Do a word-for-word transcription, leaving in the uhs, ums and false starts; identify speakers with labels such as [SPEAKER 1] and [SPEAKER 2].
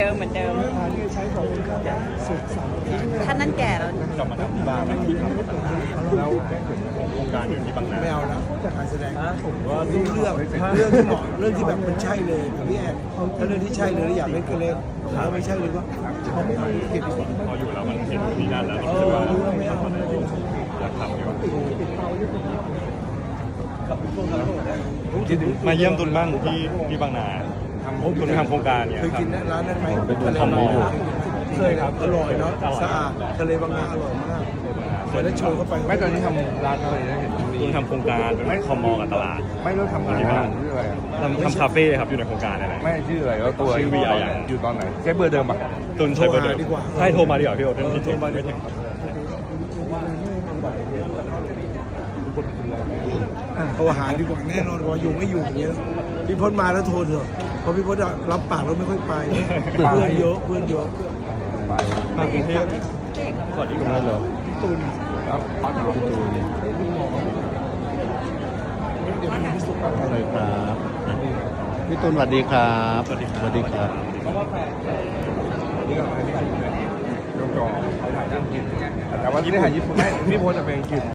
[SPEAKER 1] เดิมเหมือนเดิมใช้ของสุดสันท่านนั้นแก่แล้ว
[SPEAKER 2] กลับมาทำที่บ้านที่ทำแล้วโครงการอยู่ที่บางนา
[SPEAKER 3] ไม่เอาแล้วการแสดงผมว่าเรื่องเรื่องเรื่องที่เหมาะเรื่องที่แบบมันใช่เลยผมพี่แอนถ้าเรื่องที่ใช่เลยอยากเล่นก็เล่นถ้าไม่ใช่เลยก็เขาไม่เอาเก็บดีกว่า
[SPEAKER 2] พออยู่แล้วมันเห็นที่นั่นแล้วรู้สึกว่าอยากทำอยู่มาเยี่ยมตุนบ้างที่ที่บางนาทำตุนทำโครงการเนี่ย
[SPEAKER 3] เคยกินร้านนั้นไหม
[SPEAKER 2] เป็นตุนทำมอ
[SPEAKER 3] เคยครับอร่อยเนาะสะอาดทะเลบางนาอร่อยมากเคยได้โชว์เข้าไป
[SPEAKER 4] ไม่ตอนนี้ทำร้านอะไรนะเห็น
[SPEAKER 2] ตุนทำโครงการเป็นคอมมอกับตลาด
[SPEAKER 4] ไม่รู้ทำที่บ้านชื่ออะไร
[SPEAKER 2] ทำทำคาเฟ่ครับอยู่ในโครงการอะไร
[SPEAKER 4] ไม่ชื่ออะไรแล้วตัวอยู่ตอนไหนใช้เบอร์เดิมป่ะ
[SPEAKER 2] ตุนใช้เบอร์เดิมใช่โทรมาดีกว่าพี่โอ๊ตโทรมาไม่ถึง
[SPEAKER 3] โทรหาดีกว่าแน่นอนว่าอยู่ไม่อยู่อย่างเงี้ยพี่พจน์มาแล้วโทรเถอะเพราะพี่พจน์รับปากแล้วไม่ค่อยไปเพื่อนเยอะเพื่อนเยอะ
[SPEAKER 2] มากรุงเทพสวัสดีครับ
[SPEAKER 3] พี่ตูน
[SPEAKER 4] ครับพี่ตูน
[SPEAKER 5] อะไรครับพี่ตูนสวัสดีครับสวัสดีสวัสดีครับ
[SPEAKER 4] นี่ก็อันนี้ยกจอถ่ายนั่งกินแต่ว่าที่ได้ถ่ายญี่ปุ่นไม่พี่โพสจะเป็นอังกฤษ